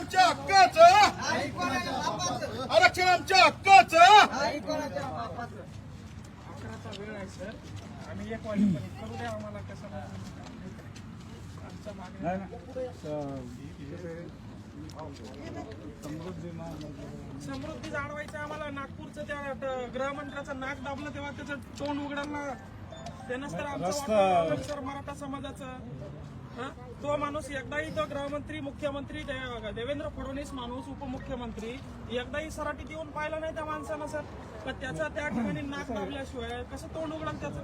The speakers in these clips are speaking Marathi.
आमच्या हक्काचं, आरक्षण आमच्या हक्काचं. अकराचा वेळ आहे सर, आम्ही 1 वाजेपर्यंत करू द्या आम्हाला. कसं आमच्या मागणी समृद्धी जाणवायचं आम्हाला. नागपूरचं त्या गृहमंत्र्याचं नाक दाबलं तेव्हा त्याचं तोंड उघडायला त्यानंच तर आमचं वाटलं सर मराठा समाजाचं. तो माणूस एकदाही तो गृहमंत्री, मुख्यमंत्री देवेंद्र फडणवीस माणूस, उपमुख्यमंत्री एकदाही सराटीत येऊन पाहिलं नाही त्या माणसानं सर. पण त्याचा त्या ठिकाणी नाक दाबल्याशिवाय कसं तोंड उघडलं त्याचं?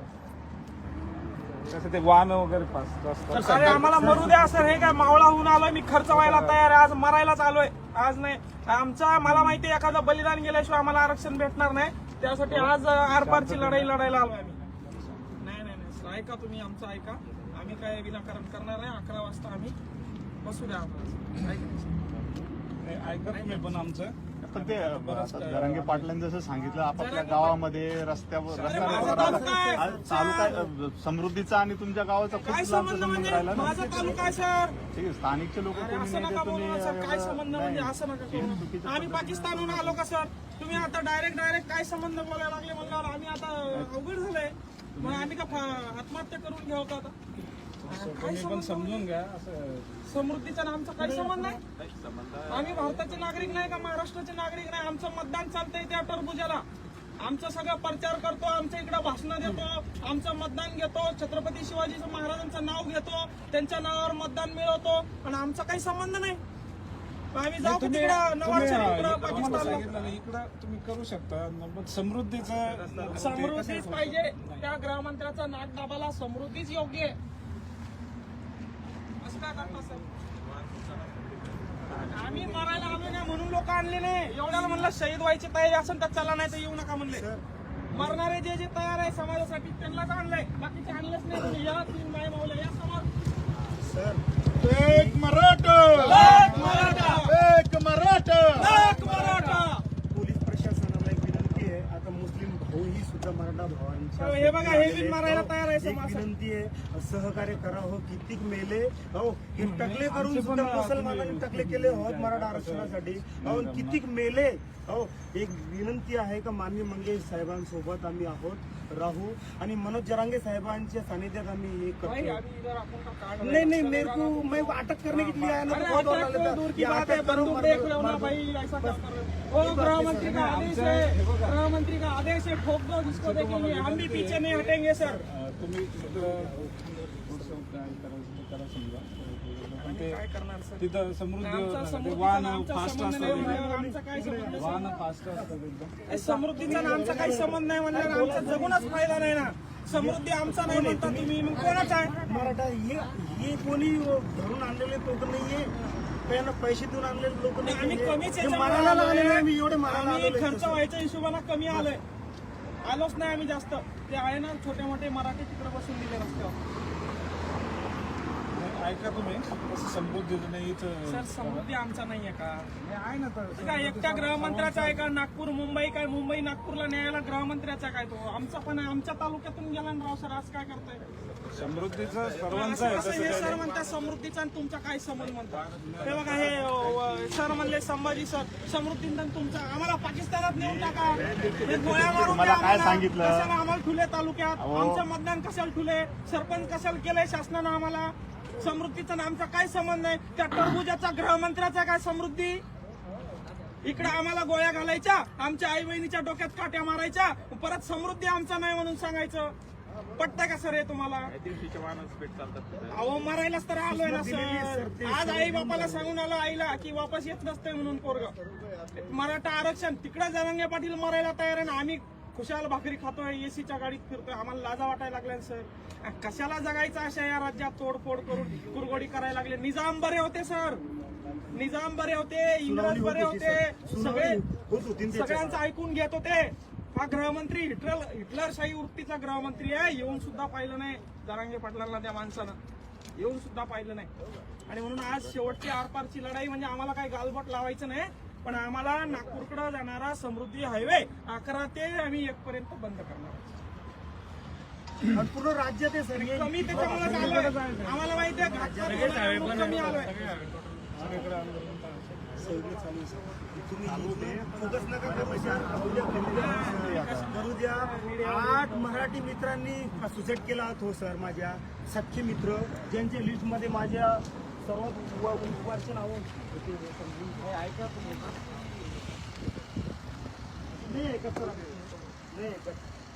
कसं ते वाहन वगैरे पास. अरे आम्हाला मरू द्या सर. हे काय मावळा होऊन आलोय मी, खर्च व्हायला तयार आहे. आज मरायलाच आलोय. आज नाही आमचा, मला माहिती आहे एखादं बलिदान गेल्याशिवाय आम्हाला आरक्षण भेटणार नाही. त्यासाठी आज आरपारची लढाई लढायला आलोय आम्ही. नाही नाही नाही ऐका तुम्ही, आमचं ऐका. आम्ही काय विनाकारण करणार नाही. 11 वाजता आम्ही बसू द्या आम्हाला. ऐका तुम्ही पण आमचं. पण ते जरांगे पाटलांनी जसं सांगितलं, आपापल्या गावामध्ये रस्त्यावर तालुका समृद्धीचा आणि तुमच्या गावाचा काय खूप संबंध म्हणजे? राहिला ना. माझा तालुका आहे सर. ठीक आहे, स्थानिकचे लोक असं नका बोलू सर. काय संबंध म्हणजे? असं नका करू. आम्ही पाकिस्तानहून आलो का सर? तुम्ही आता डायरेक्ट काय संबंध बोलायला लागले म्हणल्यावर आम्ही आता अवघड झालंय. मग आम्ही का आत्महत्या करून घ्यावं का आता? तुम्ही पण समजून घ्या. असं समृद्धीचा आमचा काही संबंध नाही. आम्ही भारताचे नागरिक नाही का महाराष्ट्राचे नागरिक नाही? आमचं मतदान चालतंय त्या टरबुजाला. आमचं सगळं प्रचार करतो, आमच्या इकडे भाषणं देतो, आमचं मतदान घेतो, छत्रपती शिवाजी महाराजांचं नाव घेतो, त्यांच्या नावावर मतदान मिळवतो आणि आमचा काही संबंध नाही. आम्ही जाऊ तिकडं नवाबच्या इकडं पाकिस्तानला. इकडं तुम्ही करू शकता. समृद्धीचं समृद्धीच पाहिजे. त्या गृहमंत्र्याचा नाक दाबाला समृद्धीच योग्य आहे. असं काय करता सर? आम्ही मरायला आलो नाही म्हणून लोक आणले नाही. एवढ्याला म्हणलं शहीद व्हायची तयारी असेल तर चला, नाही तर येऊ नका म्हणले. मरणारे जे तयार आहे समाजासाठी त्यांनाच आणलंय, बाकीचे आणलेच नाही. तुम्ही या 3 माय मावल्या या समोर. एक मराठा, एक मराठा, एक मराठा, एक मराठा. पोलीस प्रशासनाला एक विनंती आहे. आता मुस्लिम भाऊ ही सुद्धा मराठा भावांच्या हे बघा, हे बिन मारायला तयार आहे एक समाज. विनंती आहे, सहकार्य करा हो. कितीक मेले हो, हे टकले करून सुद्धा मुसलमानांनी टकले केले होत मराठा आरक्षणासाठी हो. कितीक मेले हो. एक विनंती आहे का माननीय मंगेश साहेबांसोबत आम्ही आहोत, राहू आणि मनोज जरांगे साहेबांच्या सानिध्यात आम्ही हे करतो. नहीं नहीं, मेरे को मैं अटक करने के लिए आया ना, तो बहुत डर लग रहा दूर की बात है. बंदूक देख रहे हो ना भाई, ऐसा क्या कर रहे हो? वो गृहमंत्री का आदेश है, गृहमंत्री का आदेश है. ठोक दो जिसको देखेंगे. हम भी पीछे नहीं हटेंगे सर. तुम्ही करा समजा. काय करणार सर? तिथं समृद्धी समृद्धीचा वाहन आमचा फास्ट संबंध असतात. नाही म्हणल्यावर आमचा काय संबंध? वाहन फास्ट असतात एकदम. समृद्धीचा आमचा काही संबंध नाही म्हणल्यावर आमचा जगूनच फायदा नाही ना. समृद्धी आमचा नाही म्हणता तुम्ही, मग कोणाचा आहे? मराठा हे कोणी धरून आणलेले लोक नाहीये, त्यांना पैसे देऊन आणलेले लोक नाही. आम्ही कमीच हे मारायला लागले नाही. आम्ही एवढे मारायला आम्ही आलेलो खर्च आहे. व्हायच्या हिशोबाने कमी आलोय. आलोच नाही आम्ही जास्त. ते आहे ना छोटे मोठे मराठी तिकडे बसून दिले रस्त्यावर. ऐका तुम्ही, असं समृद्धीचं नाही इथं. सर समृद्धी आमचा नाहीये का? आहे ना तर काय एकट्या गृहमंत्र्याचा आहे का? नागपूर मुंबई काय? मुंबई नागपूरला न्यायला गृहमंत्र्याचा काय? तो आमचा पण आहे. आमच्या तालुक्यातून गेला ना राव सर. आज काय करताय? समृद्धीचं सर्वांचं आहे. असं हे सर म्हणतात समृद्धीचा आणि तुमचा काय संबंध म्हणतात? हे बघा, हे सर म्हणले संभाजी सर, समृद्धीचा आणि तुमचा. आम्हाला पाकिस्तानात नेऊन टाका. हे गोळ्या मारून तुम्हाला द्या काय आम्हाला. सांगितलं? कशाला आम्हाला ठुले तालुक्यात? अहो. आमचं मतदान कशाला ठुले? सरपंच कशाला केलंय शासनानं आम्हाला? समृद्धीचा आमचा काय संबंध नाही. त्या टरबुजाचा गृहमंत्र्याचा काय समृद्धी? इकडे आम्हाला गोळ्या घालायच्या, आमच्या आई बहिणीच्या डोक्यात काट्या मारायच्या, परत समृद्धी आमचा नाही म्हणून सांगायचं. पटतंय का सर हे तुम्हाला? अहो मरायलाच तर आलोय ना सर. आज आई बापाला सांगून आलो आईला की वापस येत नसतंय म्हणून पोरग. मराठा आरक्षण तिकडे जरांगे पाटील मरायला तयार आहे ना. आम्ही खुशाल भाकरी खातोय, एसीच्या गाडीत फिरतोय. आम्हाला लाजा वाटायला लागल्या सर. कशाला जगायचं अशा या राज्यात? तोडफोड करून कुरगोडी करायला लागले. निजाम बरे होते सर, निजाम बरे होते, इंग्रज बरे होते, सगळ्यांचं ऐकून घेत होते. हा गृहमंत्री हिटलरशाही वृत्तीचा गृहमंत्री आहे. येऊन सुद्धा पाहिलं नाही जरांगे पाटलांना त्या माणसानं. येऊन सुद्धा पाहिलं नाही. आणि म्हणून आज शेवटची आरपारची लढाई म्हणजे आम्हाला काही गालबोट लावायचं नाही, पण आम्हाला नागपूरकडे जाणारा समृद्धी हायवे 11 ते आम्ही 1 पर्यंत बंद करणार. पूर्ण राज्यात आहे सर. कमी त्याच्यामुळे आलोय. आम्हाला माहिती आहे कमी आलोय. सगळं चालू आहे, सर. तुम्ही इथे फोकस नका करू, सर. करू द्या. 8 मराठी मित्रांनी सुसाईड केला हो सर. माझ्या सख्खे मित्र ज्यांच्या लिस्टमध्ये माझ्या सर्वात वर्ष नाव ऐका तुम्ही. नाही ऐकत सर, नाही ऐकत.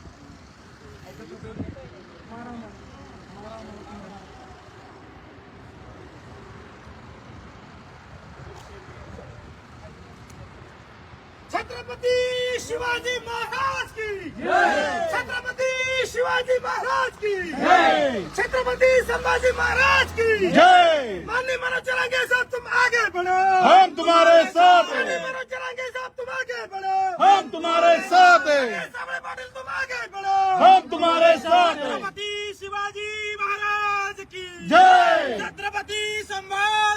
छत्रपती शिवाजी महाराज की छत्रपती शिवाजी महाराज की छत्रपती संभाजी महाराज की जय माननीय मनोज चलांगे साहब तुम आगे बढ़ो. हम तुम्हारे साथ माननीय हैं मनोज चलांगे साहब तुम आगे बढ़ो. हम तुम्हारे साथ हैं सामने पाटिल तुम आगे बढ़ो. हम तुम्हारे साथ हैं छत्रपती शिवाजी महाराज की जय छत्रपती संभाजी